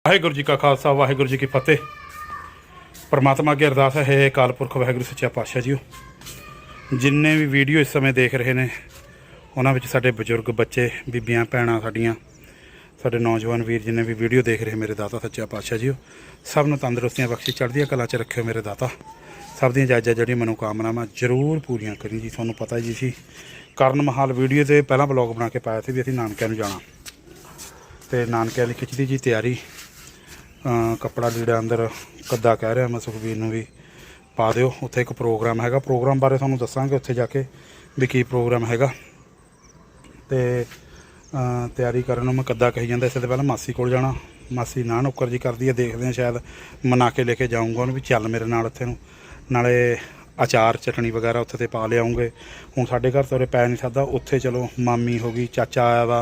ਵਾਹਿਗੁਰੂ ਜੀ ਕਾ ਖਾਲਸਾ ਵਾਹਿਗੁਰੂ ਜੀ ਕੀ ਫਤਿਹ। परमात्मा की अरदास है अकाल पुरख वाहिगुरू सच्चा पातशाह जीओ। जिन्ने भी वीडियो इस समय देख रहे हैं उन्होंने विच साडे बजुर्ग बच्चे बीबियां भैणां साडियां साडे नौजवान वीर जिन्ने भी वीडियो देख रहे मेरे दाता सच्चा पातशाह जीओ, सब नूं तंदुरुस्तियां बख्शी चढ़दियां कला च रखियो मेरे दाता। सब दी जायज़ जिहड़ी मनोकामनावां जरूर पूरियां करी जी। तुहानूं पता जी सी करण महाल वीडियो ते पहला ब्लॉग बना के पाया सी भी असीं नानकिਆਂ ਨੂੰ जाना ते नानकिਆਂ दी खिचदी जी तैयारी। कपड़ा लीड़ा अंदर कद्दा कह रहा मैं सुखबीर नूं भी पा दिओ। उत्थे एक प्रोग्राम हैगा, प्रोग्राम बारे तुहानूं दस्सांगे उत्थे जाके भी की प्रोग्राम हैगा। ते तैयारी करन नूं मैं कद्दा कही जांदा। इससे पहले मासी कोल जाना, मासी ना नुक्कर जी करदी है, देखदे हैं शायद मना के लेके जाऊँगा उन्हें भी चल मेरे नाल उत्थे नूं, नाले अचार चटनी वगैरह उत्थे ते पा लिआऊँगे। हुण साडे घर तो उरे पै नहीं सकदा, उत्थे चलो मामी हो गई, चाचा आया वा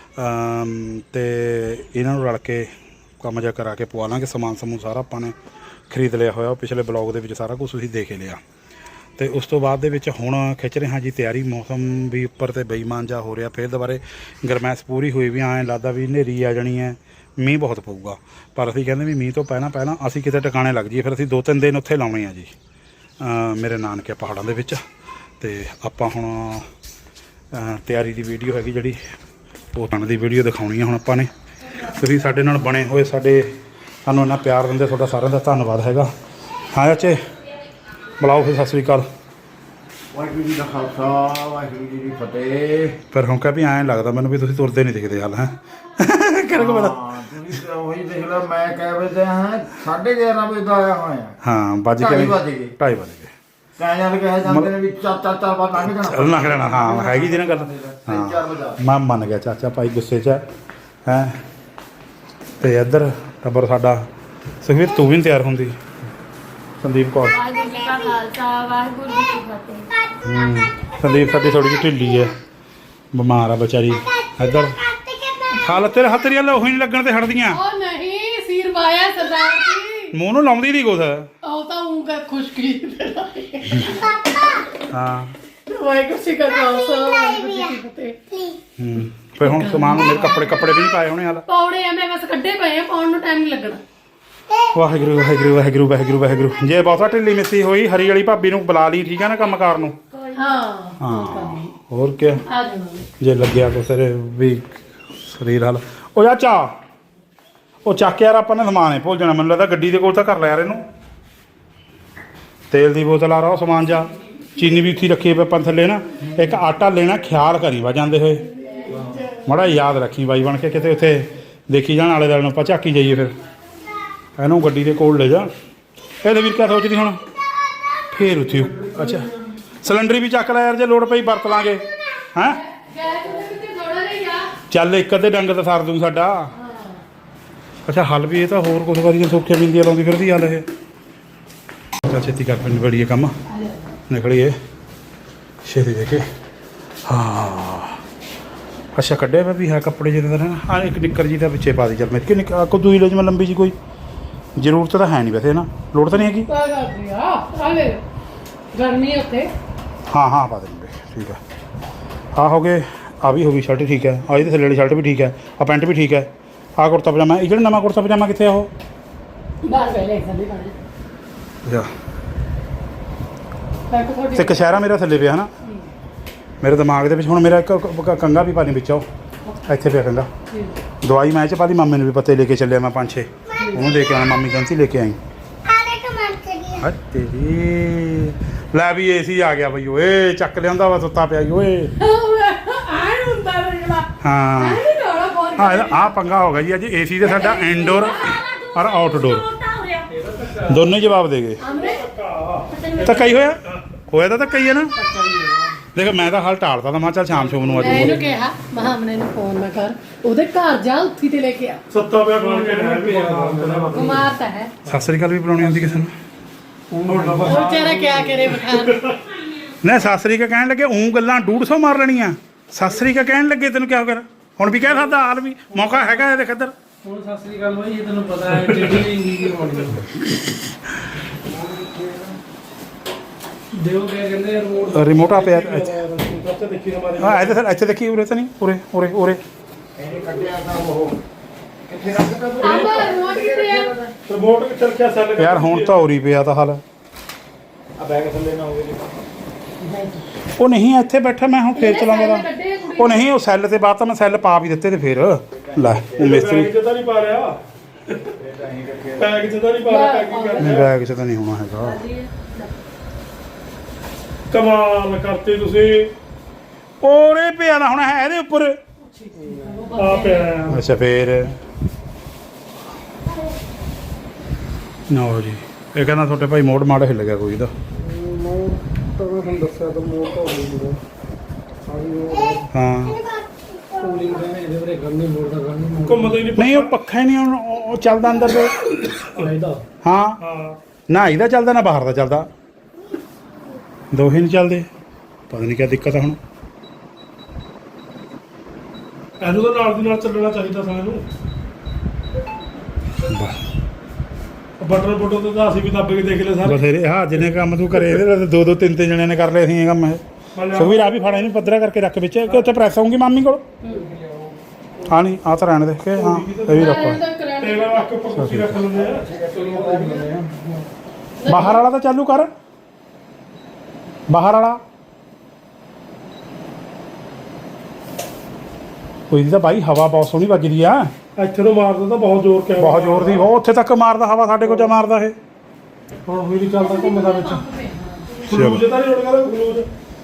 ते इन्हां नूं रल के काम जा करा के पवा लांगे। समान समून सारा आपां ने खरीद लिया होया, पिछले ब्लॉग दे विच सारा कुछ तुसीं देख लिया। तो उस तो बाद दे विच हुण खिच रहे हाँ जी तैयारी। मौसम भी उपर ते बेईमान जा हो रहा, फिर दोबारे गरमैश पूरी हुई भी आए लगदा भी हनेरी आ जानी है, मींह बहुत पऊगा। पर असीं कहंदे भी मींह तो पहला असीं किते टिकाणे लग जाइए, फिर असीं 2-3 दिन उत्थे लाउणे आ जी मेरे नानके पहाड़ां दे विच। ते आपां हुण तैयारी दी वीडियो हैगी जिहड़ी पोतण दी वीडियो दिखाउणी है हुण आपां ने। तुसीं साडे नाल बने होए, सानूं इन्ना प्यार दिंदे, तुहाडा सारिਆਂ ਦਾ ਧੰਨਵਾਦ हैगा। हाँ चाचे बुलाओ फिर सत श्री अकाल। वाहिगुरू जी का खालसा वाहिगुरू जी की फतेह। पर हुण कह भी ऐं लगदा मैनूं भी तुसीं तुरदे नहीं दिखदे हाल है करके बड़ा वही देख लो, मैं कह बजे हैं 11:30 बजे का आया हुआ है। हाँ बज के 2:30 बज गए कहने कहे जाते ने भी चाचा बात लंघ जाना चलना करना। हाँ हैगी जी ना गल। हाँ मैं मन गया चाचा भाई गुस्से च है। तो इधर टब्बर साडा सुखवीर तू भी नहीं तैयार होंदी। संदीप कौर संदीप साडी थोड़ी जी ढिली है, बीमार है बेचारी। इधर हालत तेरे हाथ तेरी लोही नहीं लगन ते हटदियां मूँह नूं लाउंदी नहीं कुछ। खुशकी हाँ फिर हुण समान मेरे कपड़े भी नहीं पाए होने हाल पौड़े आ, मैं बस कड्डे पे हैं, पाउण नूं टाइम नहीं लगना। वाहिगुरू वाहिगुरू वाहिगुरू वाहिगुरू वाहिगुरू। जे बहुता ढिली मिस्सी होई हरी वाली भाभी नूं बुला ली, ठीक है ना कंमकार नूं। हाँ होर क्या जे लग्या कुछ भी शरीर हाल। ओ चाचा ओ चक यार आपां ने समान है भुल जाना, मैनूं लगदा गड्डी दे कोल तां कर लै यार इहनूं। तेल दी बोतल आ रहा समान जा, चीनी भी उत्थे रखी है अपन थल्ले ना। एक आटा लेना, ख्याल करी वा जांदे होए माड़ा याद रखी बाई बन के, किते उत्थे देखी जाण आले दुआले आपां झाकी जाइए। फिर इहनूं गड्डी दे कोल ले जा। ਇਹਦੇ ਵੀਰ ਕਿਆ ਸੋਚਦੀ ਹੁਣ ਫੇਰ ਉੱਥੇ। ਅੱਛਾ ਸਿਲੰਡਰ ਵੀ ਚੱਕ ਲੈ ਯਾਰ, ਜੇ ਲੋੜ ਪਈ ਵਰਤ ਲਾਂਗੇ ਹੈਂ। ਚੱਲ ਇੱਕ ਅੱਧੇ ਡੰਗ ਤਾਂ ਸਰ ਦੂੰ ਸਾਡਾ। ਅੱਛਾ ਹੱਲ ਵੀ ਇਹ ਤਾਂ ਹੋਰ ਕੁਛ ਵਾਰੀ ਸੌਖੇ ਬਿੰਦੀਆਂ ਲਾਉਂਦੀ ਫਿਰਦੀ ਹੱਲ ਇਹ। ਚੱਲ ਛੇਤੀ ਕਰ ਪਿੰਡ ਬੜੀਏ ਕੰਮ ਨਿਕਲੀਏ ਛੇਤੀ ਦੇ ਕੇ। ਹਾਂ ਅੱਛਾ ਕੱਢਿਆ ਵਾ ਵੀ ਹੈ ਕੱਪੜੇ ਜਿਹਦੇ ਦਾ ਨਾ। ਆ ਇੱਕ ਨਿੱਕਰ ਜੀ ਦਾ ਪਿੱਛੇ ਪਾ ਦੀ ਚੱਲ। ਮੇਰੇ ਕਿ ਕੋ ਦੂਈ ਲੈ ਜਿਵੇਂ ਲੰਬੀ ਜੀ ਕੋਈ ਜ਼ਰੂਰਤ ਤਾਂ ਹੈ ਨਹੀਂ ਵੈਸੇ ਨਾ, ਲੋੜ ਤਾਂ ਨਹੀਂ ਹੈਗੀ। गर्मी होते हाँ हाँ पा देंगे ठीक है। हाँ हो गए, आ भी होगी शर्ट ठीक है, आ ये थल्ले वाली शर्ट भी ठीक है, आ पैंट भी ठीक है, आ कुर्ता पजामा ये नवा कुर्ता पजामा कितने हो तो कशहरा मेरा थल्ले पे है ना। मेरे दिमाग के हुण मेरा एक कंघा भी पानी बिच इत्थे पे कंघा। दवाई मैं च पा दी, मामे ने भी पत्ते लेके चलिया मैं 5-6 उन्होंने दे के आना। मामी कहती लेके आई तेरी लै भी AC आ गया बई। ओए चक लिया वा सुता पिया ओए। हाँ हाँ आ पंगा हो गया जी अज। AC से साडा इनडोर और आउटडोर दोनों जवाब दे गए। धक्का ही होया तो धक्का ही है ना। देख मैं तो हाल टालता था, मैं चल शाम शोम नूं मैंने कहा महामने ने फोन ना कर, ओदे घर जा उत्थी ते लेके आ। सत्ता पिया बोल के बीमार ता है। सत श्री अकाल भी बुलाउणी आउंदी किसे नूं। बेचारा क्या करे बखान नहीं सत श्री अकाल कहण लगे ऊं गल्लां 150 मार लैणियां। सत श्री अकाल कहण लगे तैनूं क्या हो गया हुण भी कह सकदा हाल भी मौका हैगा। देख इधर ਹੁਣ ਸਤਿ ਸ੍ਰੀ ਅਕਾਲ ਬਾਈ, ਇਹ ਤੈਨੂੰ ਪਤਾ ਹੈ ਜਿਹੜੀ ਕੀ ਹੋਣੀ ਦਿਓ ਕਿਆ ਕਹਿੰਦੇ ਰਿਮੋਟ ਆ ਪਿਆ ਹਾਂ ਇੱਥੇ ਦੇਖੀ ਉਰੇ ਤਾਂ ਨਹੀਂ ਉਰੇ ਇਹਨੇ ਕੱਢਿਆ ਤਾਂ ਉਹ ਕਿੱਥੇ ਰੱਖਦਾ अब रिमोट ਰਿਮੋਟ ਕਿੱਥੇ ਰੱਖਿਆ ਸੈੱਲ ਯਾਰ ਹੁਣ ਤਾਂ ਉਰੀ ਪਿਆ ਤਾਂ ਹਾਲ ਆ ਬੈਗ ਥੱਲੇ ਨਾ ਹੋਵੇ ਉਹ ਨਹੀਂ ਇੱਥੇ ਬੈਠਾ ਮੈਂ ਹੁਣ ਫੇਰ ਚਲਾਉਂਗਾ ਉਹ ਨਹੀਂ ਉਹ ਸੈੱਲ ਤੇ ਬਾਅਦ ਤਾਂ ਮੈਂ ਸੈੱਲ ਪਾ ਵੀ ਦਿੱਤੇ ਤੇ ਫੇਰ ਲੈ ਉਹ ਮਿਸਤਰੀ ਬੈਗ 'ਚ ਤਾਂ ਨਹੀਂ ਪਾ ਰਿਹਾ ਬੈਗ 'ਚ ਤਾਂ ਨਹੀਂ ਪਾ ਰਿਹਾ ਪੈਕਿੰਗ ਕਰ ਨਹੀਂ ਬੈਗ 'ਚ ਤਾਂ ਨਹੀਂ ਹੋਣਾ ਹੈਗਾ ਕਮਾਲ ਕਰਤੇ ਤੁਸੀਂ ਉਹਰੇ ਪਿਆ ਨਾ ਹੁਣ ਹੈ ਇਹਦੇ ਉੱਪਰ ਆ ਪਿਆ ਅੱਛਾ ਫੇਰ ਨਾ ਜੀ ਇਹ ਕਹਿੰਦਾ ਤੁਹਾਡੇ ਭਾਈ ਮੋੜ ਮਾੜਾ ਹਿੱਲ ਗਿਆ ਕੋਈ ਦਾ ਮੋੜ ਤਾਂ ਮੈਂ ਤੁਹਾਨੂੰ ਦੱਸਿਆ ਤਾਂ ਮੋੜ ਤਾਂ ਹੋ ਗਿਆ ਹਾਂ ਕੂਲਿੰਗ ਦੇ ਇਹਦੇ ਬਾਰੇ ਗੱਲ ਨਹੀਂ ਮੋੜਦਾ ਗੱਲ ਨਹੀਂ ਘੁੰਮਦਾ ਹੀ ਨਹੀਂ ਨਹੀਂ ਉਹ ਪੱਖਾ ਹੀ ਨਹੀਂ ਹੁਣ ਉਹ ਚੱਲਦਾ ਅੰਦਰ ਤੇ ਇਹਦਾ ਹਾਂ ਹਾਂ ਨਾ ਇਹਦਾ ਚੱਲਦਾ ਨਾ ਬਾਹਰ ਦਾ ਚੱਲਦਾ ਦੋਹੇ ਨਹੀਂ ਚੱਲਦੇ ਪਤਾ ਨਹੀਂ ਕੀ ਦਿੱਕਤ ਆ ਹੁਣ ਇਹਨੂੰ ਤਾਂ ਨਾਲ ਦੀ ਨਾਲ ਚੱਲਣਾ ਚਾਹੀਦਾ ਸਾਂ ਇਹਨੂੰ ਬਟਰ ਬਟਰ ਤੇ ਤਾਂ ਅਸੀਂ ਵੀ ਦੱਬ ਕੇ ਦੇਖ ਲਏ ਸਾਰੇ ਬਥੇਰੇ ਹਾਂ ਜਿੰਨੇ ਕੰਮ ਤੂੰ ਕਰੇ ਇਹਦੇ ਨਾਲ ਦੋ ਦੋ ਤਿੰਨ ਤਿੰਨ ਜਣਿਆਂ ਨੇ ਕਰ ਲਏ ਸੀ ਇਹ ਕੰਮ ਇਹ ਸੁਖਵੀਰ ਆ ਵੀ ਫੜਾ ਇਹਨੂੰ ਪੱਧਰਾ ਕਰਕੇ ਰੱਖ ਵਿੱਚ ਕਿ ਉੱਥੇ ਪ੍ਰੈਸ ਆਉਂਗੀ ਮਾਮੀ ਕੋਲ ਹਾਂ ਨਹੀਂ ਆ ਤਾਂ ਰਹਿਣ ਦੇ ਕੇ ਹਾਂ ਇਹ ਵੀ ਰੱਖੋ ਟੇਬਲ ਰੱਖ ਕੇ ਉੱਪਰ ਕੁਰਸੀ ਰੱਖ ਲੈਂਦੇ ਆ ਬਾਹਰ ਵਾਲਾ ਤਾਂ ਚਾਲੂ ਕਰ ਬਾਹਰ ਵਾਲਾ ਕੋਈ ਦੀ ਤਾਂ ਬਾਈ ਹਵਾ ਬਹੁਤ ਸੋਹਣੀ ਵੱਜਦੀ ਆ ਇੱਥੇ ਤੋਂ ਮਾਰਦਾ ਤਾਂ ਬਹੁਤ ਜ਼ੋਰ ਕਿਆ ਬਹੁਤ ਜ਼ੋਰ ਦੀ ਉਹ ਉੱਥੇ ਤੱਕ ਮਾਰਦਾ ਹਵਾ ਸਾਡੇ ਕੋਲ ਜਾ ਮਾਰਦਾ ਇਹ ਹੁਣ ਹੋਈ ਨਹੀਂ ਚੱਲਦਾ ਘੁੰਮਦਾ ਵਿੱਚ ਚਲੋ। ਗਲੂਜ ਤਾਂ ਨਹੀਂ ਉੱਡ ਗਿਆ ਗਲੂਜ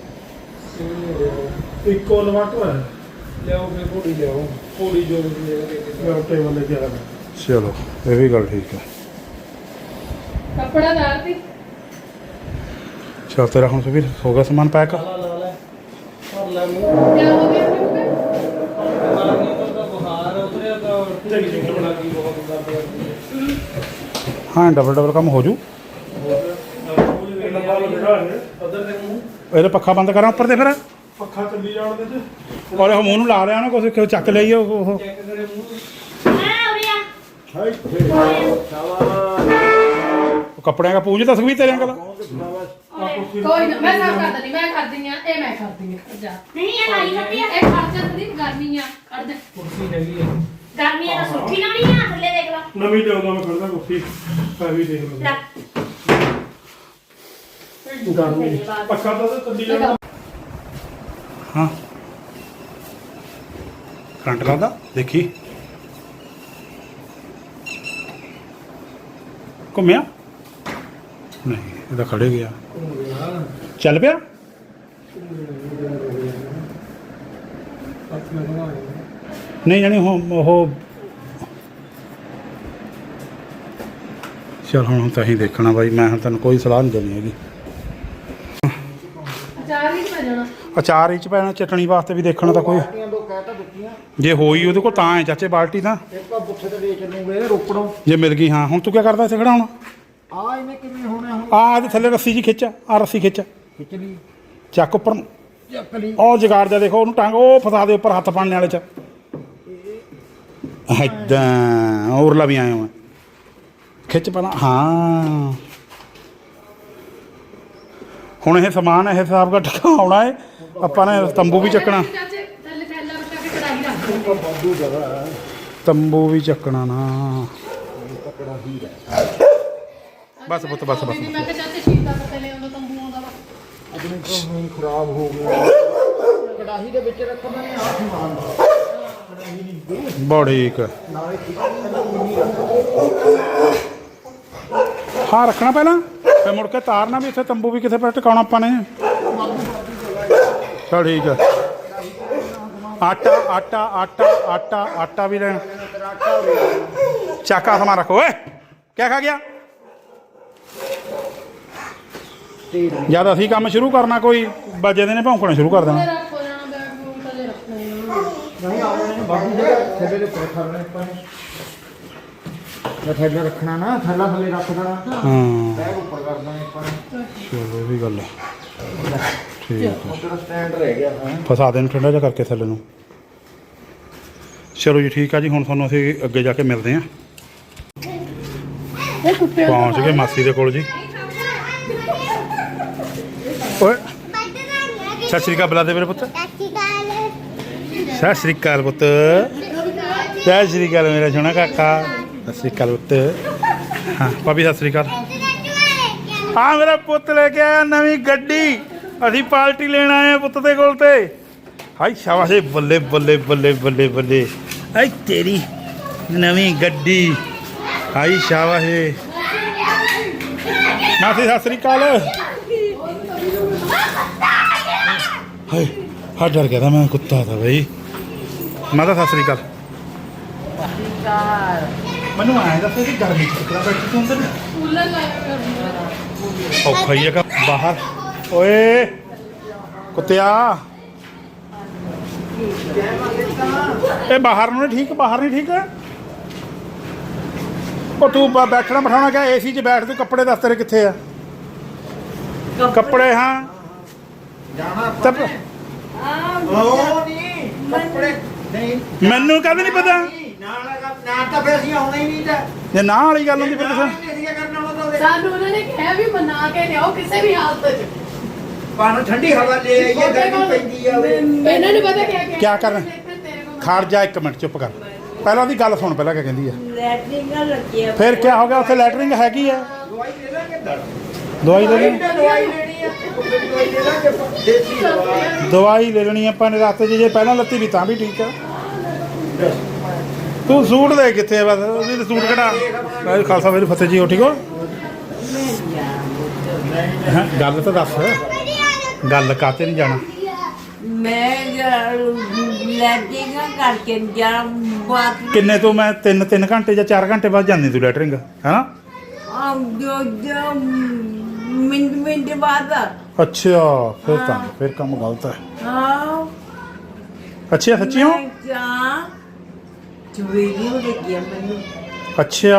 ਇੱਕੋ ਇਨਵਰਟਰ ਹੈ ਲਿਆਓ ਫੇ ਘੋੜੀ ਲਿਆਓ ਘੋੜੀ ਜੋ ਵੀ ਲੈ ਕੇ ਟੇਬਲ ਲੈ ਕੇ ਆਇਆ ਚਲੋ ਇਹ ਵੀ ਗੱਲ ਠੀਕ ਹੈ ਕੱਪੜਾ ਦਾਰਤੀ ਚਲ ਤੇਰਾ ਹੁਣ ਸੁਖਵੀਰ ਹੋ ਗਿਆ ਸਮਾਨ ਪੈਕ ਲਾ ਲੈ ਕਰ ਲੈ ਮੂੰਹ ਕਿਆ ਹੋ ਗਿਆ ਆਪਣੇ ਮਾਰਨੀ ਤਾਂ ਬੁਖਾਰ ਉਤਰਿਆ ਤਾਂ ਟੈਂਸ਼ਨ ਬਣਾ ਗਈ ਬਹੁਤ ਦਰਦ ਕਰਦੀ ਹਾਂ ਡਬਲ ਕੰਮ ਹੋ ਜੂ ਉਧਰ ਦੇ ਮੂੰਹ ਇਹਦਾ ਪੱਖਾ ਬੰਦ ਕਰਾਂ ਉੱਪਰ ਤੇ ਫਿਰ ਪੱਖਾ ਚੱਲੀ ਜਾਣ ਦੇ ਤੇ ਔਰ ਉਹ ਮੂੰਹ ਨੂੰ ਲਾ ਲਿਆ ਨਾ ਕੁਛ ਚੱਕ ਲਈ ਉਹ ਚੈੱਕ ਕਰੇ ਮੂੰਹ ਕੱਪੜਿਆਂ ਦਾ ਪੂੰਝ ਤਾਂ ਸੁਖਵੀਰ ਤੇਰੇ ਕੋਲ ਕੋਈ ਨਾ ਮੈਂ ਸਾਫ ਕਰ ਦਿੰਦੀ ਮੈਂ ਕਰਦੀ ਆ ਇਹ ਮੈਂ ਕਰਦੀ ਆ ਜਾ ਨਹੀਂ ਇਹ ਲਾਈ ਹੁੰਦੀ ਆ ਇਹ ਖਰਚਾ ਦੀ ਗਰਮੀ ਆ ਕੱਢ ਦੇ ਕੁਰਸੀ ਹੈਗੀ ਹੈ ਗਰਮੀਆਂ ਦਾ ਸੁੱਕੀ ਨਾ ਨਹੀਂ ਆ ਥੱਲੇ ਦੇਖ ਲਾ ਨਵੀਂ ਲਿਆਉਂਦਾ ਮੈਂ ਖੜਦਾ ਕੁੱਤੀ ਆ ਵੀ ਦੇਖ ਲਓ ਲੈ ਗਰਮੀ ਪੱਖਾ ਤਾਂ ਚੱਲੀ ਜਾਣਾ ਹਾਂ ਕਰੰਟ ਲੱਗਦਾ ਦੇਖੀ ਘੁੰਮਿਆ ਨਹੀਂ ਇਹਦਾ ਖੜੇ ਗਿਆ ਚੱਲ ਪਿਆ ਨਹੀਂ ਜਾਣੀ ਉਹ ਚਲ ਹੁਣ ਤਾਂ ਹੀ ਦੇਖਣਾ ਬਾਈ ਮੈਂ ਹੁਣ ਤੈਨੂੰ ਕੋਈ ਸਲਾਹ ਨਹੀਂ ਦੇਣੀ ਹੈਗੀ ਅਚਾਰ ਵੀ ਪੈ ਜਾਣਾ ਅਚਾਰ ਵਿੱਚ ਪੈਣਾ ਚਟਣੀ ਵਾਸਤੇ ਵੀ ਦੇਖਣਾ ਤਾਂ ਕੋਈ ਦੋ ਕਹਿ ਤਾਂ ਦਿੱਤੀਆਂ ਜੇ ਹੋਈ ਉਹਦੇ ਕੋਲ ਤਾਂ ਹੈ ਚਾਚੇ ਬਾਲਟੀ ਤਾਂ ਇੱਕ ਆ ਬੁੱਥੇ ਤੇ ਵੇਚ ਲੂਗੇ ਰੋਪੜੋਂ ਜੇ ਮਿਲ ਗਈ ਹਾਂ ਹੁਣ ਤੂੰ ਕੀ ਕਰਦਾ ਇੱਥੇ ਖੜਾ ਹੁਣ ਆ ਇਹਨੇ ਕਿਵੇਂ ਹੋਣਾ ਹੁਣ ਆ ਇਹਦੇ ਥੱਲੇ ਰੱਸੀ ਜੀ ਖਿੱਚ ਆ ਰੱਸੀ ਖਿੱਚ ਖਿੱਚ ਲਈ ਚੱਕ ਉੱਪਰ ਨੂੰ। ਚੱਕ ਲਈ ਉਹ ਜਗਾੜ ਜਾ ਦੇਖੋ ਉਹਨੂੰ ਟੰਗ ਉਹ ਫਸਾ ਦੇ ਉੱਪਰ ਹੱਥ ਪਾਣਨੇ ਵਾਲੇ ਚ ਏਦਾਂ ਔਰਲਾ ਵੀ ਆਇਆ ਮੈਂ ਖਿੱਚ ਪਹਿਲਾਂ ਹਾਂ ਹੁਣ ਇਹ ਸਮਾਨ ਇਹ ਹਿਸਾਬ ਦਾ ਟਿਕਾਉਣਾ ਹੈ ਆਪਾਂ ਨੇ ਤੰਬੂ ਵੀ ਚੱਕਣਾ ਚਾਚੇ ਥੱਲੇ ਥੈਲਾ ਰੱਖ ਕੇ ਕੜਾਹੀ ਰੱਖ ਦੇ ਬਾਦੂ ਜਗ੍ਹਾ ਹੈ ਤੰਬੂ ਵੀ ਚੱਕਣਾ ਨਾ ਕਪੜਾ ਹੀ ਹੈ ਬਸ ਪੁੱਤ ਬਸ ਮੈਂ ਕਿਹਾ ਚਾਚੇ ਸ਼ੀਟ ਦਾ ਪੱਤੇ ਲੈ ਆਉਂਦਾ ਤੰਬੂ ਆਉਂਦਾ ਵਾ ਆਪਣੇ ਤੋਂ ਹੁਣ ਖਰਾਬ ਹੋ ਗਿਆ ਕੜਾਹੀ ਦੇ ਵਿੱਚ ਰੱਖਣਾ ਨਹੀਂ ਆ ਸਮਾਨ ਦਾ ਬੜੀ ਇੱਕ ਨਾਲੇ ਹਾਂ ਰੱਖਣਾ ਪਹਿਲਾਂ ਫਿਰ ਮੁੜ ਕੇ ਤਾਰਨਾ ਵੀ ਇੱਥੇ ਤੰਬੂ ਵੀ ਕਿੱਥੇ ਪਰ ਟਿਕਾਉਣਾ ਆਪਾਂ ਨੇ ਚਲ ਠੀਕ ਹੈ ਆਟਾ ਆਟਾ ਆਟਾ ਆਟਾ ਆਟਾ ਵੀ ਲੈਣਾ ਚਾਕਾ ਸਮਾਨ ਰੱਖੋ ਓਏ ਕਿਆ ਖਾ ਗਿਆ ਜਦ ਅਸੀਂ ਕੰਮ ਸ਼ੁਰੂ ਕਰਨਾ ਕੋਈ ਵੱਜੇ ਦੇ ਨੇ ਭੌਂਕਣਾ ਸ਼ੁਰੂ ਕਰ ਦੇਣਾ ਰੱਖ ਹੋ ਜਾਣਾ ਬੈਗ ਨੂੰ ਥੱਲੇ ਰੱਖਣਾ ਹੀ ਨਹੀਂ ਆ ਜਾਣੇ ਬਾਕੀ ਜਗ੍ਹਾ ਥੱਲੇ ਦੇ ਉੱਪਰ ਖੜਨਾ ਆਪਾਂ ਨੇ ਜੇ ਥੱਲੇ ਰੱਖਣਾ ਨਾ ਥੱਲਾ ਥੱਲੇ ਰੱਖ ਦੇਣਾ ਹਾਂ ਬੈਗ ਉੱਪਰ ਕਰ ਦਾਂਗੇ ਆਪਾਂ ਨੇ ਚਲੋ ਇਹ ਵੀ ਗੱਲ ਹੈ ਠੀਕ ਹੈ ਤੇਰਾ ਸਟੈਂਡ ਰਹਿ ਗਿਆ ਹੈ ਫਸਾ ਦੇਣ ਠੰਡਾ ਜਿਹਾ ਕਰਕੇ ਥੱਲੇ ਨੂੰ ਚਲੋ ਜੀ ਠੀਕ ਆ ਜੀ ਹੁਣ ਤੁਹਾਨੂੰ ਅਸੀਂ ਅੱਗੇ ਜਾ ਕੇ ਮਿਲਦੇ ਹਾਂ ਇਹ ਕੁੱਤੇ ਪਹੁੰਚ ਗਏ ਮਾਸੀ ਦੇ ਕੋਲ ਜੀ ਓਏ ਸਤਿ ਸ਼੍ਰੀ ਅਕਾਲ ਬੁਲਾ ਦੇ ਮੇਰੇ ਪੁੱਤ ਸਤਿ ਸ਼੍ਰੀ ਅਕਾਲ ਪੁੱਤ ਸਤਿ ਸ਼੍ਰੀ ਅਕਾਲ ਮੇਰਾ ਸੋਹਣਾ ਕਾਕਾ ਸਤਿ ਸ਼੍ਰੀ ਅਕਾਲ ਪੁੱਤ ਹਾਂ ਭਾਬੀ ਸਤਿ ਸ੍ਰੀ ਅਕਾਲ। ਹਾਂ ਮੇਰਾ ਪੁੱਤ ਲੈ ਕੇ ਆਇਆ ਨਵੀਂ ਗੱਡੀ। ਅਸੀਂ ਪਾਰਟੀ ਲੈਣ ਆਏ ਆ ਪੁੱਤ ਦੇ ਕੋਲ ਤੇ। ਹਾਈ ਸ਼ਾਬਾਸ਼ ਏ, ਬੱਲੇ ਬੱਲੇ ਬੱਲੇ ਬੱਲੇ ਬੱਲੇ। ਆਈ ਤੇਰੀ ਨਵੀਂ ਗੱਡੀ। ਹਾਈ ਸ਼ਾਬਾਸ਼ ਏ। ਮਾਸੀ ਸਤਿ ਸ੍ਰੀ ਅਕਾਲ। ਹਾਏ ਹਾਂ ਡਰ ਗਿਆ ਤਾਂ ਮੈਂ, ਕੁੱਤਾ था ਬਈ। ਮਾਤਾ ਸਤਿ ਸ੍ਰੀ ਅਕਾਲ। ਮੈਨੂੰ ਆਇਆ ਦੱਸ ਕਿ ਗਰਮੀ ਚ ਕਿਹੜਾ ਬੈਠੀ ਤੂੰ ਅੰਦਰ? ਕੂਲਰ ਲਾਇਆ ਔਖਾ ਹੀ ਹੈਗਾ ਬਾਹਰ। ਓਏ ਕੁੱਤਿਆ, ਇਹ ਬਾਹਰ ਨੂੰ ਨਹੀਂ ਠੀਕ, ਬਾਹਰ ਨਹੀਂ ਠੀਕ। ਉਹ ਤੂੰ ਬੈਠਣਾ ਬਿਠਾਉਣਾ ਕਿਆ? ਏਸੀ 'ਚ ਬੈਠ ਤੂੰ। ਕੱਪੜੇ ਦੱਸ ਤੇਰੇ ਕਿੱਥੇ ਆ? ਕੱਪੜੇ ਹਾਂ ਜਾਣਾ ਤਾਂ ਉਹ ਨਹੀਂ ਕੱਪੜੇ ਨਹੀਂ ਮੈਨੂੰ ਕਦੇ ਨਹੀਂ ਪਤਾ। ਨਾ ਤਾਂ ਫਿਰ ਅਸੀਂ ਆਉਣਾ ਹੀ ਨਹੀਂ ਤਾਂ ਜੇ ਨਾ ਵਾਲੀ ਗੱਲ ਹੁੰਦੀ ਫਿਰ ਦੱਸਾਂ। ਅਸੀਂ ਕਰਨਾ ਹੁੰਦਾ ਉਹਦੇ ਸਾਨੂੰ ਉਹਨਾਂ ਨੇ ਕਿਹਾ ਵੀ ਮਨਾ ਕੇ ਲਿਆਓ ਕਿਸੇ ਵੀ ਹਾਲਤ 'ਚ। ਪਾਣ ਠੰਡੀ ਹਵਾ ਲੈ ਆਈਏ, ਗਰਮੀ ਪੈਂਦੀ ਆ ਵੇ। ਇਹਨਾਂ ਨੂੰ ਪਤਾ ਕਿਆ ਕਰਨਾ? ਖੜ ਜਾ ਇੱਕ ਮਿੰਟ, ਚੁੱਪ ਕਰ। ਪਹਿਲਾਂ ਉਹਦੀ ਗੱਲ ਸੁਣ, ਪਹਿਲਾਂ ਕਿਆ ਕਹਿੰਦੀ ਆ। ਲੈਟਰਿੰਗਾਂ ਲੱਗੀਆਂ ਫਿਰ ਕਿਆ ਹੋ ਗਿਆ? ਉੱਥੇ ਲੈਟਰਿੰਗ ਹੈਗੀ ਆ। ਦਵਾਈ ਲੈ ਲਾਂਗੇ ਦਵਾਈ ਲੈ ਲਈ। ਦਵਾਈ ਲੈਣੀ ਆ, ਦਵਾਈ ਲੈ ਲਾਂਗੇ ਦੇਸੀ ਦਵਾਈ। ਦਵਾਈ ਲੈ ਲੈਣੀ ਆਪਾਂ ਨੇ ਰਾਤੇ 'ਚ। ਜੇ ਪਹਿਲਾਂ ਲੱਤੀ ਵੀ ਤਾਂ ਵੀ ਠੀਕ ਆ। ਤੂੰ ਸੂਟ ਦੇ ਕਿੱਥੇ ਆ? ਬਸ ਉਹਦੀ ਤੇ ਸੂਟ ਕਢਾ। ਵਾਹਿਗੁਰੂ ਖਾਲਸਾ ਵਾਹਿਗੁਰੂ ਫਤਿਹ ਜੀ। ਹੋ ਠੀਕ ਹੋ? ਹੈਂ, ਗੱਲ ਤਾਂ ਦੱਸ। ਗੱਲ ਕਾਤੇ ਨਹੀਂ ਜਾਣਾ? ਮੈਂ ਲੈਟਰਿੰਗਾਂ ਕਰਕੇ ਜਾਂ ਬਾਤ ਕਿੰਨੇ ਤੋਂ ਮੈਂ 3 ਘੰਟੇ ਜਾਂ 4 ਘੰਟੇ ਬਾਅਦ ਜਾਂਦੀ ਤੂੰ ਲੈਟਰਿੰਗ, ਹੈਨਾ? ਜੋ ਮਿੰਟ ਬਾਅਦ ਅੱਛਾ ਫਿਰ ਤਾਂ ਫਿਰ ਕੰਮ ਗਲਤ ਹੈ। ਹਾਂ ਅੱਛਾ ਸੱਚੀਓ? ਚੁਵੇਰੀ ਹੋ ਗਈ ਮੈਨੂੰ। ਅੱਛਾ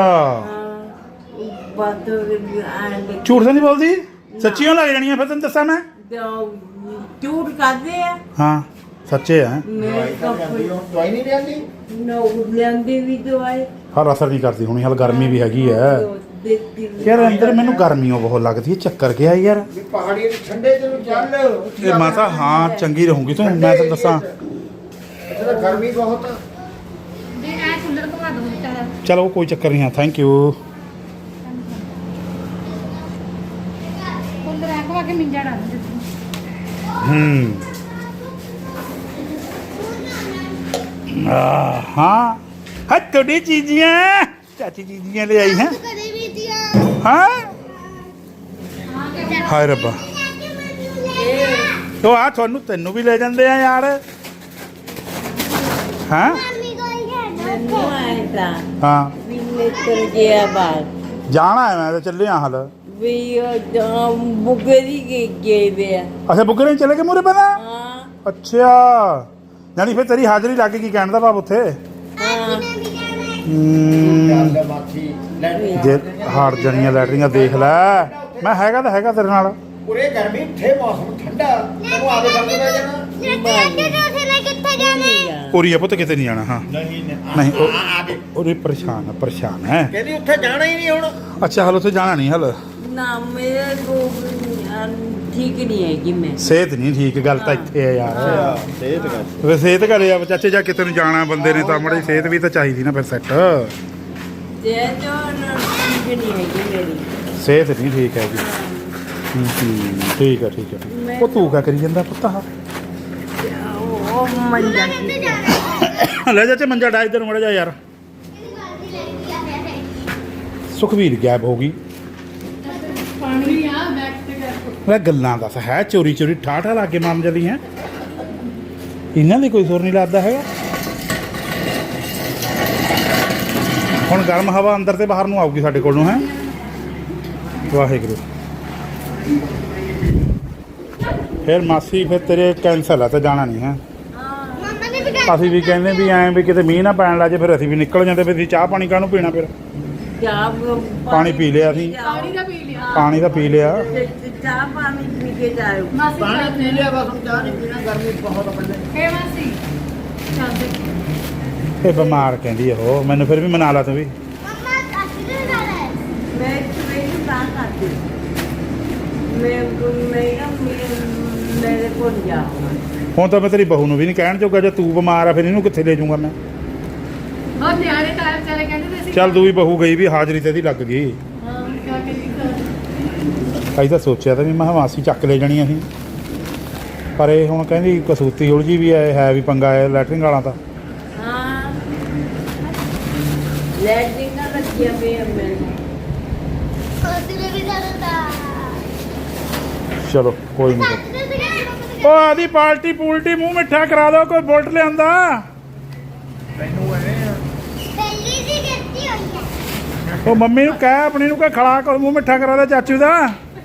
ਬਾਤ ਝੂਠ ਤਾਂ ਨਹੀਂ ਬੋਲਦੀ? ਸੱਚੀਓ ਲੱਗ ਜਾਣੀਆਂ ਫਿਰ ਤੈਨੂੰ ਦੱਸਾਂ ਮੈਂ। ਝੂਠ ਕਰਦੇ ਆ। ਹਾਂ ਸੱਚੇ ਆ। ਮੈਂ ਦਵਾਈ ਨਹੀਂ ਲੈਂਦੀ ਨੋ ਲੈਂਦੇ ਵੀ ਦਵਾਈ ਹਰ ਅਸਰ ਨਹੀਂ ਕਰਦੀ ਹੁਣੀ। ਹਾਲ ਗਰਮੀ ਵੀ ਹੈਗੀ ਹੈ ਯਾਰ ਅੰਦਰ। ਮੈਨੂੰ ਗਰਮੀਓ ਬਹੁਤ ਲੱਗਦੀ ਹੈ। ਚੱਕਰ ਗਿਆ ਯਾਰ। ਵੀ ਪਹਾੜੀ ਦੇ ਠੰਡੇ ਚ ਨੂੰ ਚੱਲ। ਇਹ ਮਾਤਾ ਹਾਂ ਚੰਗੀ ਰਹੂਗੀ ਤੂੰ, ਮੈਂ ਤੈਨੂੰ ਦੱਸਾਂ। ਇੱਥੇ ਤਾਂ ਗਰਮੀ ਬਹੁਤ ਆ। ਚਲੋ ਕੋਈ ਚੱਕਰ ਨਹੀਂ ਹੈ। Thank you. हाँ हाँ थोड़ी चीजियाँ चाची चीजियाँ ले आई हैं। हाँ हाय रब्बा तो आ थानू तेनू भी ले जाते हैं यार। हाँ ਮੈਨੂੰ ਆਇਆ ਤਾਂ हाँ ਵੀ ਨਿਕਲ ਗਿਆ ਬਾਹਰ जाना है मैं तो चले हाल। ਵੀ ਉਹ ਬੁੱਗੇ ਦੀ ਗਏ ਵੇ ਆ। अच्छा बुग्गे नहीं चले गए मुरे पता? ਹਾਂ अच्छा यानी फिर तेरी हाजरी लग गई कहने का भाव उत्थे। ਹਾਂ ਚੱਲ ਮਾਥੀ ਲੈਣੀ जे हार जनिया लैटरिंग देख लै। मैं हैगा तो हैगा तेरे नाल। ਪੂਰੇ ਗਰਮੀ ਉੱਥੇ ਮੌਸਮ ਠੰਡਾ ਤੈਨੂੰ ਆਦੇ ਬੰਦ ਪੈ ਜਾਣਾ। पूरी है पुत किते नहीं जाना। हाँ ਨਹੀਂ नहीं ਆਦੇ और परेशान है। ਕਹਿੰਦੀ ਉੱਥੇ ਜਾਣਾ ਹੀ ਨਹੀਂ ਹੁਣ। अच्छा हल उत्थे जाना नहीं हल। ਨਾ ਮੇਰੇ ਕੋ ਠੀਕ ਨਹੀਂ ਹੈਗੀ ਮੈਂ। सेहत नहीं ठीक गल तो इत्थे है यार। ਸਿਹਤ ਕਰ वे सेहत करे अब चाचे जा किते ਨੂੰ ਜਾਣਾ ਬੰਦੇ ਨੇ ਤਾਂ ਮੜੀ सेहत भी तो चाहिए ना फिर सेट। ਤੇ ਜੋ ਠੀਕ ਨਹੀਂ ਹੈਗੀ ਮੇਰੀ। सेहत नहीं ठीक हैगी। ठीक है ठीक है। ਉਹ ਤੂੰ ਕਿਆ ਕਰੀ ਜਾਂਦਾ ਪੁੱਤ? ਉਹ ਮੰਜਾ ਕੀ ਲੈ ਚਾਚੇ ਮੰਜਾ ਡਾ ਇੱਧਰ ਮੜਾ ਜਾ ਯਾਰ। ਸੁਖਵੀਰ ਗਾਇਬ ਹੋ ਗਈ। ਪਾਣੀ ਆ ਬੈਕ ਤੇ ਕਰ। ਮੈਂ ਗੱਲਾਂ ਦੱਸ ਹੈ ਚੋਰੀ ਚੋਰੀ ਠਾਠਾ ਲਾ ਕੇ ਮਾਰਨ ਜਲੀ ਹੈ। ਇਹਨਾਂ ਦੀ ਕੋਈ ਸੁਰ ਨਹੀਂ ਲੱਗਦਾ ਹੈਗਾ। ਹੁਣ ਗਰਮ ਹਵਾ ਅੰਦਰ ਤੇ ਬਾਹਰ ਨੂੰ ਆਊਗੀ ਸਾਡੇ ਕੋਲ ਨੂੰ ਹੈ। ਵਾਹਿਗੁਰੂ। ਫਿਰ ਮਾਸੀ ਫਿਰ ਤੇਰੇ ਕੈਂਸਲ ਆ ਤੇ ਜਾਣਾ ਨਹੀਂ ਹੈ। ਅਸੀਂ ਵੀ ਕਹਿੰਦੇ ਵੀ ਐਂ ਵੀ ਕਿਤੇ ਮੀਂਹ ਨਾ ਪੈਣ ਲੱਗੇ ਫਿਰ ਅਸੀਂ ਵੀ ਨਿਕਲ ਜਾਂਦੇ। ਫਿਰ ਅਸੀਂ ਚਾਹ ਪਾਣੀ ਕਾਹਨੂੰ ਪੀਣਾ? ਫਿਰ ਚਾਹ ਪਾਣੀ ਪੀ ਲਿਆ ਅਸੀਂ। ਪਾਣੀ ਦਾ ਪੀ ਲਿਆ। ਪਾਣੀ ਤਾਂ ਪੀ ਲਿਆ। ਚਾਹ ਪਾਣੀ ਪੀ ਕੇ ਜਾਓ। ਮਾਸੀ ਪਾਣੀ ਪੀ ਲਿਆ ਬਸ ਹੁਣ ਚਾਹ ਨਹੀਂ ਪੀਣਾ। ਗਰਮੀ ਬਹੁਤ ਆ ਬੰਦੇ। ਫੇ ਮਾਸੀ ਚੱਲਦੇ। ਇਹ ਬਿਮਾਰ ਕਹਿੰਦੀ ਉਹ। ਮੈਨੂੰ ਫਿਰ ਵੀ ਮਨਾ ਲਾ ਤੂੰ ਵੀ। ਮੈਂ ਸਵੇਰੇ ਤਾਂ ਕਰਦੀ ਮੈਂ ਮੇਰੇ ਕੋਲ ਜਾਵਾਂ। ਹੁਣ ਤਾਂ ਮੈਂ ਤੇਰੀ ਬਹੂ ਨੂੰ ਵੀ ਨਹੀਂ ਕਹਿਣ ਜੋਗਾ। ਜੇ ਤੂੰ ਬਿਮਾਰ ਆ ਫਿਰ ਇਹਨੂੰ ਕਿੱਥੇ ਲੈ ਜਾਊਂਗਾ ਮੈਂ? ਬਹੁਤ ਨਿਆਣੇ ਟਾਈਮ ਚਲੇ ਕਹਿੰਦੇ ਤੇ ਅਸੀਂ ਚੱਲ ਦੂਈ ਬਹੂ ਗਈ ਵੀ ਹਾਜ਼ਰੀ ਤੇ ਦੀ ਲੱਗ ਗਈ। ਹਾਂ ਕੀ ਕਰੀਏ ਅਸੀਂ ਤਾਂ ਸੋਚਿਆ ਤਾਂ ਵੀ ਮੈਂ ਮਾਸੀ ਚੱਕ ਲੈ ਜਾਣੀ ਅਸੀਂ, ਪਰ ਇਹ ਹੁਣ ਕਹਿੰਦੀ ਕਸੂਤੀ ਉਲਝੀ ਵੀ ਹੈ ਵੀ ਪੰਗਾ ਹੈ ਲੈਟਰਿੰਗ ਵਾਲਾ ਤਾਂ। ਹਾਂ ਲੈਟਰਿੰਗ ਨਾਲ ਰੱਖਿਆ ਪਿਆ ਮੈਨੂੰ ਚਲੋ ਕੋਈ ਨਹੀਂ। ਉਹ ਆਦੀ ਪਾਲਟੀ ਪੂਲਟੀ ਮੂੰਹ ਮਿੱਠਾ ਕਰਾ ਦੋ, ਕੋਈ ਬੁਲਟ ਲਿਆਂਦਾ। ਉਹ ਮੰਮੀ ਨੂੰ ਕਹਿ ਆਪਣੀ ਨੂੰ, ਕਹਿ ਖੜਾ ਕਰ ਮੂੰਹ ਮਿੱਠਾ ਕਰਾ ਦੇ ਚਾਚੂ ਦਾ।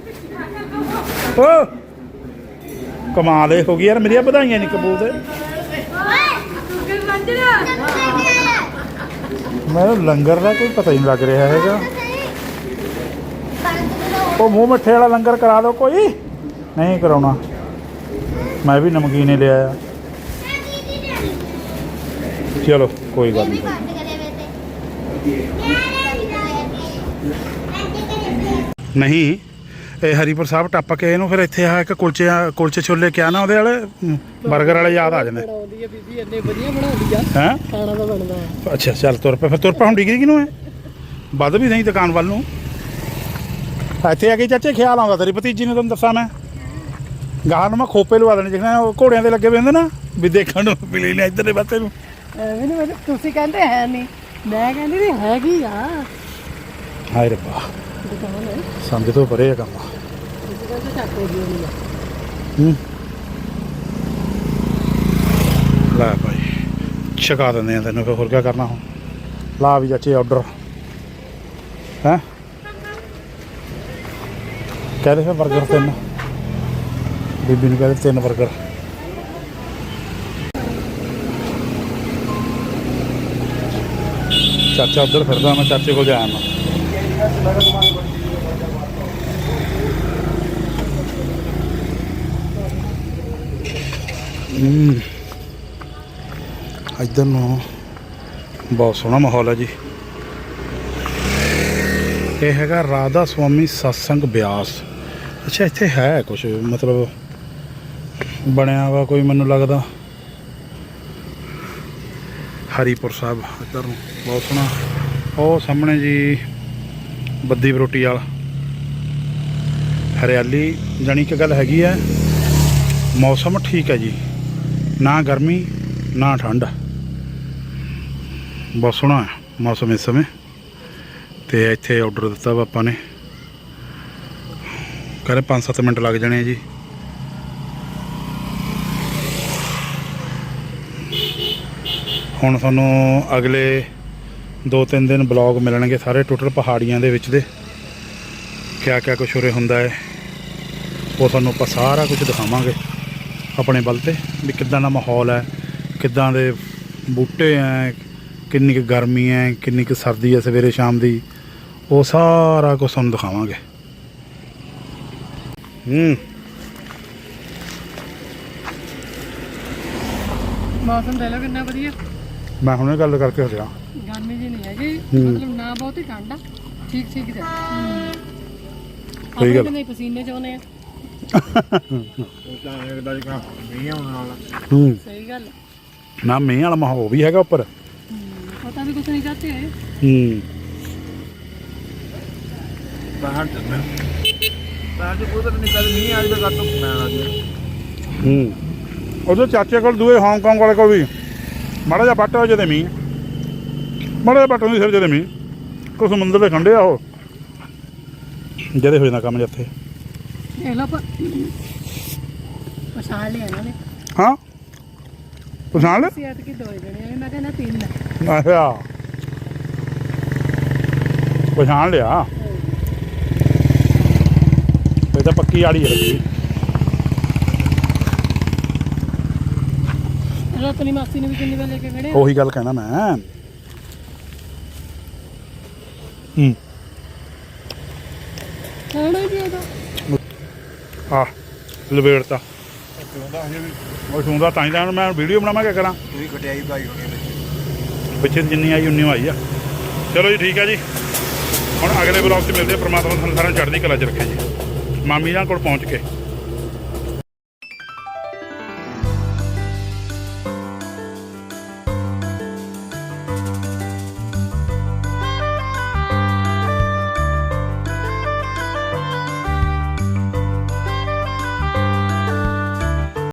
ਓ ਕਮਾਲ ਹੋ ਗਈ ਯਾਰ, ਮੇਰੀਆਂ ਵਧਾਈਆਂ ਨਹੀਂ ਕਬੂਲ। ਮੈਨੂੰ ਲੰਗਰ ਦਾ ਕੋਈ ਪਤਾ ਹੀ ਨਹੀਂ ਲੱਗ ਰਿਹਾ ਹੈਗਾ। ਉਹ ਮੂੰਹ ਮਿੱਠੇ ਵਾਲਾ ਲੰਗਰ ਕਰਾ ਦਿਓ ਕੋਈ। ਨਹੀਂ ਕਰਾਉਣਾ, ਮੈਂ ਵੀ ਨਮਕੀਨ ਹੀ ਲਿਆ ਆ। ਚਲੋ ਕੋਈ ਗੱਲ ਨਹੀਂ। ਨਹੀਂ ਇਹ ਹਰੀਪੁਰ ਸਾਹਿਬ ਟੱਪ ਕੇ ਇਹਨੂੰ ਫਿਰ ਇੱਥੇ ਆ ਇੱਕ ਕੁਲਚੇ ਛੋਲੇ ਕਿਆ ਨਾ ਉਹਦੇ ਵਾਲੇ 버ਗਰ ਵਾਲੇ ਯਾਦ ਆ ਜਾਂਦੇ। ਬਣਾਉਂਦੀ ਆ ਬੀਬੀ, ਇੰਨੇ ਵਧੀਆ ਬਣਾਉਂਦੀ ਆ। ਹੈਂ ਖਾਣਾ ਤਾਂ ਬਣਦਾ। ਅੱਛਾ ਚੱਲ ਤੁਰ ਪਏ ਫਿਰ। ਤੁਰ ਪਾ ਹੁਣ ਡਿਗਰੀ ਕਿਨੂੰ ਹੈ ਵੱਧ ਵੀ ਨਹੀਂ ਦੁਕਾਨ ਵੱਲ ਨੂੰ। ਇੱਥੇ ਆ ਕੇ ਚਾਚੇ ਖਿਆਲ ਆਉਂਦਾ ਤੇਰੀ ਭਤੀਜੀ ਨੂੰ, ਤੁਹਾਨੂੰ ਦੱਸਾਂ ਮੈਂ ਗਾਹ ਨੂੰ ਮੈਂ ਖੋਪੇ ਲਵਾ ਦੇਣੇ ਜਿਵੇਂ ਉਹ ਘੋੜਿਆਂ ਦੇ ਲੱਗੇ ਹੋਏ ਹੁੰਦੇ ਨਾ ਵੀ ਦੇਖਣ ਨੂੰ ਮਿਲੇ ਨੇ ਇੱਧਰ ਦੇ ਪਾਸੇ ਨੂੰ। ਐਵੇਂ ਨਹੀਂ ਮੈਨੂੰ ਤੁਸੀਂ ਕਹਿੰਦੇ ਹੈ ਨਹੀਂ, ਮੈਂ ਕਹਿੰਦੀ ਵੀ ਹੈਗੀ ਆ ਹਾਏ ਰੱਬਾ ਦੁਕਾਨ ਹੈ। ਸਮਝ ਤੋਂ ਪਰੇ ਆ ਕੰਮ। ਤੁਸੀਂ ਕਹਿੰਦੇ ਚੱਕੋ ਜੀ ਨਹੀਂ ਆ। ਲੈ ਭਾਈ ਛਕਾ ਦਿੰਦੇ ਆ ਤੈਨੂੰ, ਫਿਰ ਹੋਰ ਕੀ ਕਰਨਾ ਹੁਣ। ਲਾ ਵੀ ਚਾਚੇ ਆਰਡਰ ਹੈਂ ਕਹਿੰਦੇ ਫਿਰ 버ਗਰ 3 ਬੀਬੀ ਨੂੰ ਕਹਿੰਦੇ 3 버ਗਰ। ਚਾਚਾ ਉੱਧਰ ਫਿਰਦਾ, ਮੈਂ ਚਾਚੇ ਕੋਲ ਜਾਇਆ ਮੈਂ। ਇੱਧਰ ਨੂੰ ਬਹੁਤ ਸੋਹਣਾ ਮਾਹੌਲ ਹੈ ਜੀ। ਇਹ ਹੈਗਾ ਰਾਧਾ ਸੁਆਮੀ ਸਤਸੰਗ ਬਿਆਸ। ਅੱਛਾ ਇੱਥੇ ਹੈ ਕੁਛ ਮਤਲਬ ਬਣਿਆ ਵਾ ਕੋਈ, ਮੈਨੂੰ ਲੱਗਦਾ ਹਰੀਪੁਰ ਸਾਹਿਬ ਇੱਧਰ ਨੂੰ ਬਹੁਤ ਸੋਹਣਾ। ਉਹ ਸਾਹਮਣੇ ਜੀ ਬੱਦੀ ਬਰੋਟੀ ਵਾਲਾ ਹਰਿਆਲੀ। ਜਾਣੀ ਕਿ ਗੱਲ ਹੈਗੀ ਹੈ ਮੌਸਮ ਠੀਕ ਹੈ ਜੀ, ਨਾ ਗਰਮੀ ਨਾ ਠੰਡ, ਬਹੁਤ ਸੋਹਣਾ ਹੈ ਮੌਸਮ ਇਸ ਸਮੇਂ। ਤੇ ਇੱਥੇ ਆਰਡਰ ਦਿੱਤਾ ਵਾ ਆਪਾਂ ਨੇ, ਕਹਿੰਦੇ 5-7 ਮਿੰਟ ਲੱਗ ਜਾਣੇ ਜੀ। ਹੁਣ ਤੁਹਾਨੂੰ ਅਗਲੇ 2-3 ਦਿਨ ਬਲੌਗ ਮਿਲਣਗੇ ਸਾਰੇ ਟੋਟਲ ਪਹਾੜੀਆਂ ਦੇ ਵਿੱਚ ਦੇ, ਕਿਆ ਕਿਆ ਕੁਛ ਉਰੇ ਹੁੰਦਾ ਹੈ ਉਹ ਤੁਹਾਨੂੰ ਆਪਾਂ ਸਾਰਾ ਕੁਝ ਦਿਖਾਵਾਂਗੇ ਆਪਣੇ ਵੱਲ ਤੇ, ਵੀ ਕਿੱਦਾਂ ਦਾ ਮਾਹੌਲ ਹੈ, ਕਿੱਦਾਂ ਦੇ ਬੂਟੇ ਹੈ, ਕਿੰਨੀ ਕੁ ਗਰਮੀ ਹੈ, ਕਿੰਨੀ ਕੁ ਸਰਦੀ ਹੈ ਸਵੇਰੇ ਸ਼ਾਮ ਦੀ, ਉਹ ਸਾਰਾ ਕੁਝ ਤੁਹਾਨੂੰ ਦਿਖਾਵਾਂਗੇ। ਮੌਸਮ ਦੇ ਲੋ ਕਿੰਨਾ ਵਧੀਆ। ਮੈਂ ਹੁਣੇ ਗੱਲ ਕਰਕੇ ਹਟਿਆ। ਗਰਮੀ ਜੀ ਨਹੀਂ ਹੈਗੀ, ਮਤਲਬ ਨਾ ਬਹੁਤੀ ਠੰਡ ਆ, ਠੀਕ ਠੀਕ ਤੇ ਸਹੀ ਗੱਲ। ਨਹੀਂ ਪਸੀਨੇ ਚ ਆਉਨੇ ਆ। ਸਹੀ ਗੱਲ। ਨਾ ਮੀਂਹ ਵਾਲਾ ਮਾਹੌਲ ਵੀ ਹੈਗਾ ਉੱਪਰ। ਪਤਾ ਵੀ ਕੁਛ ਨਹੀਂ ਚਾਹਤੇ। ਬਾਹਰ ਚੱਲਣਾ ਬਾਹਰ ਦੇ ਕੋਈ ਤਾਂ ਨਿਕਲ ਨਹੀਂ ਆ ਰਿਹਾ, ਘੱਟ ਮੈਂ ਆ ਗਿਆ। ਉਹਦੇ ਚਾਚੇ ਕੋਲ ਦੂਏ ਹਾਂਗਕਾਂਗ ਵਾਲੇ ਕੋਲ ਵੀ ਮਾੜਾ ਜਿਹਾ ਪੱਟ ਹੋ ਜਦੇ ਮੀਂਹ, ਮਾੜਾ ਜਿਹਾ ਪੱਟ ਹੁੰਦੀ ਸਿਰ ਜਦੇ ਮੀਂਹ, ਕੋਈ ਸਮੁੰਦਰ ਦੇ ਖੰਡੇ ਆ ਉਹ ਜਦੇ ਹੋ ਜਾਂਦਾ ਕੰਮ ਜਿੱਥੇ। ਇਹ ਲੋ ਪਛਾਣ ਲਿਆ ਇਹਨਾਂ ਨੇ। ਹਾਂ ਪਛਾਣ ਲੈ। ਸਿਆਤ ਕੀ 2 ਜਣੇ, ਮੈਂ ਕਹਿੰਦਾ 3 ਅੱਛਾ ਪਛਾਣ ਲਿਆ, ਇਹ ਤਾਂ ਪੱਕੀ ਆੜੀ ਹੈ ਰੱਖੀ। ਆਪਣੀ ਮਾਸੀ ਨੇ ਵੀ ਕਿੰਨੀ ਵਾਰ ਲੈ ਕੇ ਖੜੇ। ਉਹੀ ਗੱਲ ਕਹਿਣਾ ਮੈਂ। ਖਾਣਾ ਹੀ ਉਹਦਾ ਆ ਲਵੇੜਤਾ ਉਹ ਸੁਣਦਾ ਤਾਂ ਹੀ ਤਾਂ ਮੈਂ ਵੀਡੀਓ ਬਣਾਵਾਂ, ਕਿਆ ਕਰਾਂ। ਪੂਰੀ ਖਟਿਆਈ ਭਾਈ ਹੋਣੀ ਪਿੱਛੇ ਜਿੰਨੀ ਆਈ ਉਨੀ ਆਈ ਆ। ਚਲੋ ਜੀ ਠੀਕ ਹੈ ਜੀ, ਹੁਣ ਅਗਲੇ ਬਲੌਗ 'ਚ ਮਿਲਦੇ ਆ। ਪ੍ਰਮਾਤਮਾ ਤੁਹਾਨੂੰ ਸਾਰਿਆਂ ਨੂੰ ਚੜ੍ਹਦੀ ਕਲਾ 'ਚ ਰੱਖੇ ਜੀ। ਮਾਮੀ ਨਾਲ ਕੋਲ ਪਹੁੰਚ ਕੇ